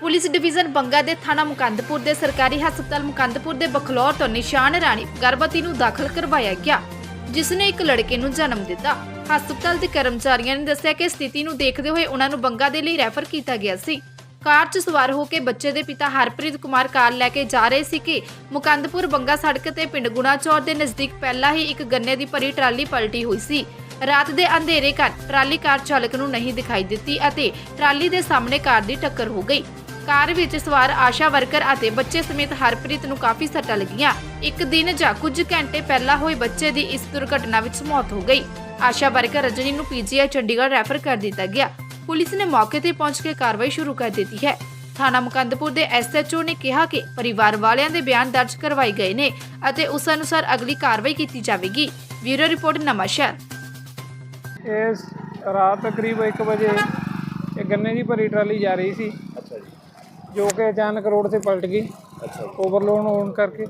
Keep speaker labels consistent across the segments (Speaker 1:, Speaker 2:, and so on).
Speaker 1: Police division Banga ਦੇ ਥਾਣਾ ਮੁਕੰਦਪੁਰ ਦੇ ਸਰਕਾਰੀ ਹਸਪਤਾਲ ਮੁਕੰਦਪੁਰ ਦੇ ਬਖਲੌਰ ਤੋਂ ਨਿਸ਼ਾਨ ਰਾਣੀ ਗਰਭਵਤੀ ਨੂੰ ਦਾਖਲ ਕਰਵਾਇਆ ਗਿਆ, ਜਿਸ ਨੇ ਇੱਕ ਲੜਕੇ ਨੂੰ ਜਨਮ ਦਿੱਤਾ। ਹਸਪਤਾਲ ਦੇ ਕਰਮਚਾਰੀਆਂ ਨੇ ਦੱਸਿਆ ਕਿ ਸਥਿਤੀ ਨੂੰ ਦੇਖਦੇ ਹੋਏ ਉਹਨਾਂ ਨੂੰ ਬੰਗਾ ਦੇ ਲਈ ਰੈਫਰ ਕੀਤਾ ਗਿਆ ਸੀ। ਕਾਰ 'ਚ ਸਵਾਰ ਹੋ ਕੇ ਬੱਚੇ ਦੇ ਪਿਤਾ ਹਰਪ੍ਰੀਤ ਕੁਮਾਰ ਕਾਰ ਲੈ ਕੇ ਜਾ ਰਹੇ ਸੀ ਕਿ ਮੁਕੰਦਪੁਰ ਬੰਗਾ ਸੜਕ ਤੇ ਪਿੰਡ ਗੁਣਾਚੌਰ ਦੇ ਨਜ਼ਦੀਕ ਪਹਿਲਾਂ ਹੀ ਇੱਕ ਗੰਨੇ ਦੀ ਭਰੀ ਟਰਾਲੀ ਪਲਟੀ ਹੋਈ ਸੀ। ਰਾਤ ਦੇ ਅੰਧੇਰੇ ਕਾਰਨ ਟਰਾਲੀ ਕਾਰ ਚਾਲਕ ਨੂੰ ਨਹੀਂ ਦਿਖਾਈ ਦਿੱਤੀ ਅਤੇ ਟਰਾਲੀ ਦੇ ਸਾਹਮਣੇ ਕਾਰ ਦੀ ਟੱਕਰ ਹੋ ਗਈ। ਕਾਰ ਵਿੱਚ ਸਵਾਰ ਆਸ਼ਾ ਵਰਕਰ ਅਤੇ ਬੱਚੇ ਸਮੇਤ ਹਰਪ੍ਰੀਤ ਨੂੰ ਕਾਫੀ ਸੱਟਾਂ ਲੱਗੀਆਂ। ਇੱਕ ਦਿਨ ਜਾਂ ਕੁਝ ਘੰਟੇ ਪਹਿਲਾਂ ਹੋਈ ਬੱਚੇ ਦੀ ਇਸ ਦੁਰਘਟਨਾ ਵਿੱਚ ਮੌਤ ਹੋ ਗਈ। ਆਸ਼ਾ ਵਰਕਰ ਰਜਨੀ ਨੂੰ ਪੀਜੀਆਈ ਚੰਡੀਗੜ੍ਹ ਰੈਫਰ ਕਰ ਦਿੱਤਾ ਗਿਆ। ਪੁਲਿਸ ਨੇ ਮੌਕੇ ਤੇ ਪਹੁੰਚ ਕੇ ਕਾਰਵਾਈ ਸ਼ੁਰੂ ਕਰ ਦਿੱਤੀ ਹੈ। ਥਾਣਾ ਮੁਕੰਦਪੁਰ ਦੇ ਐਸਐਚਓ ਨੇ ਕਿਹਾ ਕਿ ਪਰਿਵਾਰ ਵਾਲਿਆਂ ਦੇ ਬਿਆਨ ਦਰਜ ਕਰਵਾਏ ਗਏ ਨੇ ਅਤੇ ਉਸ ਅਨੁਸਾਰ ਅਗਲੀ ਕਾਰਵਾਈ ਕੀਤੀ ਜਾਵੇਗੀ। Bureau report Nawanshahr.
Speaker 2: ਇਸ ਰਾਤ ਕਰੀਬ 1 ਵਜੇ ਇਹ ਗੰਨੇ ਦੀ ਭਰੀ ਟਰਾਲੀ ਜਾ ਰਹੀ ਸੀ।
Speaker 3: ਅੱਛਾ ਜੀ।
Speaker 2: ਜੋ ਕਿ ਅਚਾਨਕ ਰੋਡ ਤੇ ਪਲਟ ਗਈ
Speaker 3: ਅੱਛਾ
Speaker 2: ਓਵਰਲੋਡ ਹੋਣ ਕਰਕੇ।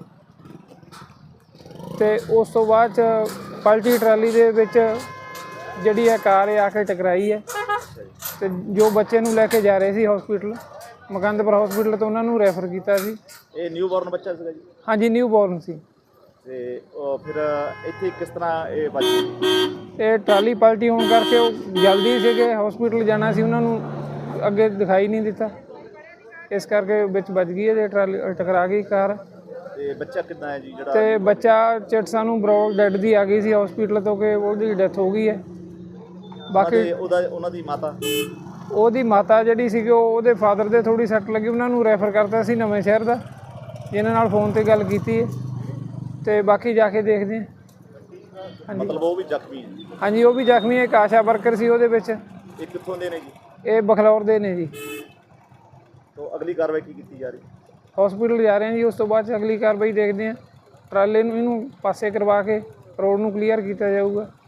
Speaker 2: ਤੇ ਉਸ ਤੋਂ ਬਾਅਦ 'ਚ ਪਲਟੀ ਟਰਾਲੀ ਦੇ ਵਿੱਚ ਜਿਹੜੀ ਹੈ ਕਾਰ ਆ ਕੇ ਟਕਰਾਈ ਹੈ। ਤੇ ਜੋ ਬੱਚੇ ਨੂੰ ਲੈ ਕੇ ਜਾ ਰਹੇ ਸੀ ਹਸਪੀਟਲ ਮੁਕੰਦਪੁਰ ਹਸਪੀਟਲ ਤੋਂ ਉਹਨਾਂ ਨੂੰ ਰੈਫਰ ਕੀਤਾ ਸੀ।
Speaker 3: ਇਹ ਨਿਊ ਬੋਰਨ ਬੱਚਾ ਸੀਗਾ ਜੀ?
Speaker 2: ਹਾਂਜੀ, ਨਿਊ ਬੋਰਨ ਸੀ।
Speaker 3: ਤੇ ਫਿਰ ਇੱਥੇ ਕਿਸ ਤਰ੍ਹਾਂ ਇਹ ਬਚ ਗਈ?
Speaker 2: ਇਹ ਟਰਾਲੀ ਪਲਟੀ ਹੋਣ ਕਰਕੇ ਉਹ ਜਲਦੀ ਸੀਗੇ ਹਸਪੀਟਲ ਜਾਣਾ ਸੀ, ਉਹਨਾਂ ਨੂੰ ਅੱਗੇ ਦਿਖਾਈ ਨਹੀਂ ਦਿੱਤਾ, ਇਸ ਕਰਕੇ ਵਿੱਚ ਵੱਜ ਗਈ ਹੈ। ਟਰਾਲੀ ਟਕਰਾ ਗਈ ਕਾਰ।
Speaker 3: ਤੇ ਬੱਚਾ ਕਿੱਦਾਂ ਹੈ ਜੀ ਜਿਹੜਾ?
Speaker 2: ਤੇ ਬੱਚਾ ਚਿਟਸਾ ਨੂੰ ਬਰੋਲ ਡੈਡ ਦੀ ਆ ਗਈ ਸੀ ਹਸਪੀਟਲ ਤੋਂ ਕਿ ਉਹਦੀ ਡੈਥ ਹੋ ਗਈ ਹੈ। ਬਾਕੀ
Speaker 3: ਉਹਨਾਂ ਦੀ ਮਾਤਾ,
Speaker 2: ਉਹਦੀ ਮਾਤਾ ਜਿਹੜੀ ਸੀਗੀ ਉਹਦੇ ਫਾਦਰ ਦੇ ਥੋੜੀ ਸੱਟ ਲੱਗੀ, ਉਹਨਾਂ ਨੂੰ ਰੈਫਰ ਕਰਤਾ ਸੀ ਨਵੇਂ ਸ਼ਹਿਰ ਦਾ। ਇਹਨਾਂ ਨਾਲ ਫੋਨ ਤੇ ਗੱਲ ਕੀਤੀ ਹੈ ਤੇ ਬਾਕੀ ਜਾ ਕੇ ਦੇਖਦੇ ਹਾਂ। ਹਾਂਜੀ,
Speaker 3: ਮਤਲਬ ਉਹ ਵੀ ਜ਼ਖਮੀ ਹੈ?
Speaker 2: ਹਾਂਜੀ, ਉਹ ਵੀ ਜ਼ਖਮੀ ਹੈ। ਇੱਕ ਆਸ਼ਾ ਵਰਕਰ ਸੀ ਉਹਦੇ ਵਿੱਚ।
Speaker 3: ਇਹ ਕਿੱਥੋਂ ਦੇ ਨੇ ਜੀ?
Speaker 2: ਇਹ ਬਖਲੌਰ ਦੇ ਨੇ ਜੀ।
Speaker 3: ਤੋਂ ਅਗਲੀ ਕਾਰਵਾਈ ਕੀ ਕੀਤੀ ਜਾ ਰਹੀ?
Speaker 2: ਹਸਪੀਟਲ ਜਾ ਰਹੇ ਹਾਂ ਜੀ, ਉਸ ਤੋਂ ਬਾਅਦ 'ਚ ਅਗਲੀ ਕਾਰਵਾਈ ਦੇਖਦੇ ਹਾਂ। ਟਰਾਲੇ ਨੂੰ ਇਹਨੂੰ ਪਾਸੇ ਕਰਵਾ ਕੇ ਰੋਡ ਨੂੰ ਕਲੀਅਰ ਕੀਤਾ ਜਾਊਗਾ।